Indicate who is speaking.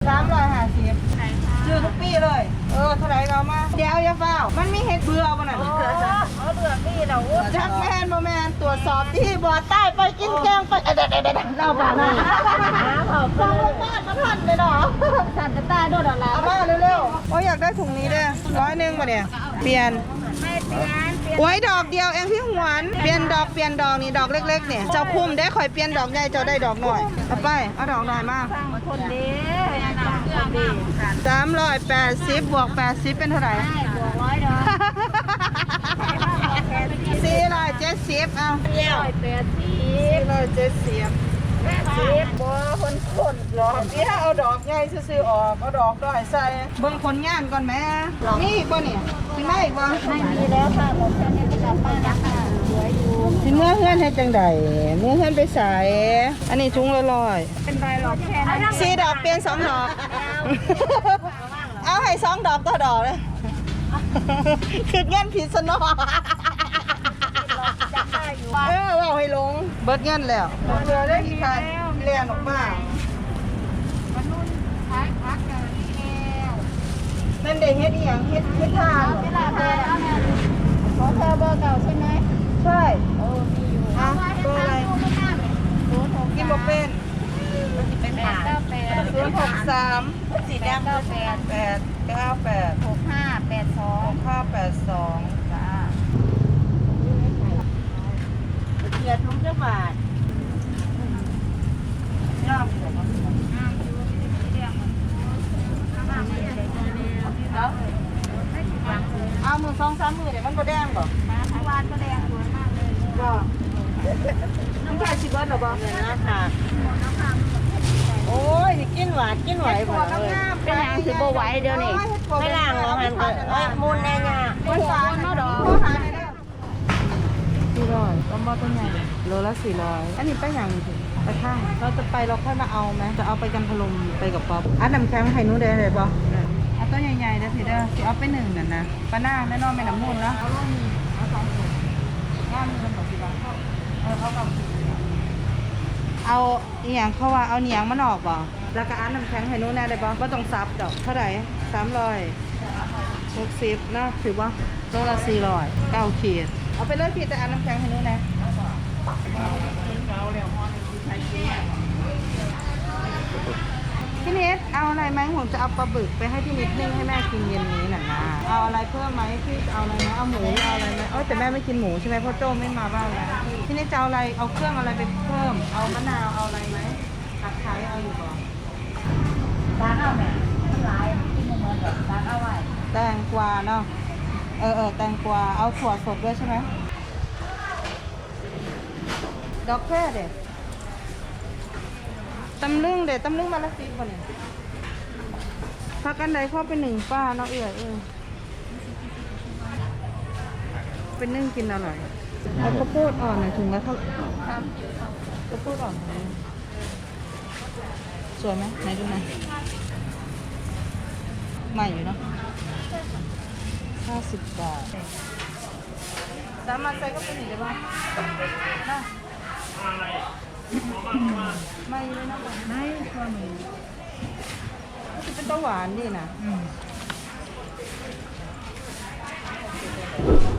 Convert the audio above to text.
Speaker 1: 350ซื้อทุกปีเลยเท่าไหร่เรามาเดี๋ยวอย่าเฝ้ามันมีเห็ดเบื่อบ่นั่น
Speaker 2: เบื่อนี่เรา
Speaker 1: จักแมนบ่แมนตรวจสอบที่บ่อใต้ไปกินแกงไปเล่าบ้านะฟังบ้านมาทันเลยเนาะ
Speaker 2: สั่นกระต่ายโดดออกแล้ว
Speaker 1: เอามาเร็วๆโอ้ยอยากได้ถุงนี้ด้วย100มาเนี่ยเปลี่ยน
Speaker 2: ไม่เปลี่ยน
Speaker 1: ไว้ดอกเดียวเองพี่หวนเปลี่ยนดอกนี่ดอกเล็กๆเนี่ยเจ้าคุ้มได้ข่อยเปลี่ยนดอกใหญ่เจ้าได้ดอกหน่อยเอาไปเอาดอกหน่อยมา
Speaker 2: คนดีคนดี
Speaker 1: 380บวก80เป็นเท่าไหร่
Speaker 2: บวก100ดอก
Speaker 1: 470เอา
Speaker 2: 180
Speaker 1: 470บ่คนหรอกนี่ถ้าเอาดอกใหญ่ซื้อๆออกเอาดอกน้อยใส่เบิ่งผลงานก่อนแม่มีอีกบ่เนี่ยสิมาอีกบ่
Speaker 2: ไม่มีแล้วค่ะหมดแค่นี้จะกลับบ้านแล้วค่ะสวยอยู่
Speaker 1: สิเมื่อเฮือนเฮ็ดจังไดเมื่อเฮือนไปใส่อันนี้ถุงละ100
Speaker 2: เป็นใบหลอกแค่นั้น
Speaker 1: 4ดอกเปลี่ยน2ดอกเอาให้2ดอกต่อดอกเลยคือเงินผิดซะเนาะว่าให้ลงเบิดเงินแล้วเรือได้กี่คันเรียนออกมา
Speaker 2: วันนู้นขายพักกันนี่แล้ว
Speaker 1: นั่นเด็กเฮ็ดอีหยังเฮ็ดทาน
Speaker 2: เวลาเบอร์แล้วเนี่ยของเธอเบอร์เก่าใช่ไหม
Speaker 1: ใช่
Speaker 2: มีอยู่
Speaker 1: อ่ะเบอร์อะไรกินบ่เป็น
Speaker 2: เป็น898
Speaker 1: 063
Speaker 2: สีแดง98
Speaker 1: 898
Speaker 2: 6582
Speaker 1: 6582
Speaker 2: จ้าเกียรติทุกจังหวัด
Speaker 1: ย่อมเอามือ2-3มือเดี๋ยวมันบ่แดงบ่
Speaker 2: ทุกวันก็แดงสวยมากเลย
Speaker 1: บ่น้ำตาลสิเบิดหรอบ่เนี่ยนะค่ะ โอ้ยนี่กินหวานกินไหวบ่เลย
Speaker 2: เป็นหางสิบ่ไหวเดี๋ยวนี้ไม่ล่างแล้วมันก็มูลแน่ยา
Speaker 1: มันหวานเนาะดอก400ต้มบอต้นใหญ่โลละ400อันนี้ไปอย่างนี้ไปข้างเราจะไปเราค่อยมาเอาไหมจะเอาไปกันพลมไปกับป๊อปอันน้ำแข็งไข่นู้นได้เลยบ่เอาต้นใหญ่ๆเด้อพี่เด้อสิเอาไป1นั่นนะปลาหน้าแน่นอนไม่น้ำมูลแล้วเอาลูกนี้เอา2ถุงงานมัน60 บาทเอาอีหยังเขาว่าเอาเหนียงมันออกบ่แล้วก็อันน้ำแข็งไข่นู้นแน่ได้บ่บ่ต้องซับดอกเท่าไหร่360เนาะถือว่าโลละ400 9ขีดเอาไปเลยพี่แต่อันน้ำแข็งไข่นู้นนะพี่นิดเอาอะไรไหมผมจะเอาปลาบึกไปให้พี่นิดนึ่งให้แม่กินเย็นนี้น่ะนะเอาอะไรเพิ่มไหมพี่เอาอะไรไหมเอาหมูเอาอะไรไหมแต่แม่ไม่กินหมูใช่ไหมเพราะโจ้ไม่มาบ้านแล้วพี่นิดจะเอาอะไรเอาเครื่องอะไรไปเพิ่มเอามะนาวเอาอะไรไหมตะไคร้เอาอยู่บ่
Speaker 2: ร้านเอาแม่ทั้งหลายที่มันเหมือนกับร้านเอาไว้
Speaker 1: แตงกวาเนาะแตงกวาเอาถั่วสดด้วยใช่ไหมดอกแค่เด็ดตำลึงเด็ดตำลึงมาละ10 บ่เนี่ยพักกันใดเข้าไป1ป้าเนาะเป็นนึ่งกินอร่อยเอาข้าวโพดอ่อนหน่อยถุงละเท่าข้าวโพดอ่อนสวยไหมไหนดูหน่อยใหม่อยู่เนาะ50 บาทสามารถใส่ก็เป็นอีกได้ป่ะนะไม่เลยนะไม่ตัวหนูก็จะเป็นตะหวานดีนะ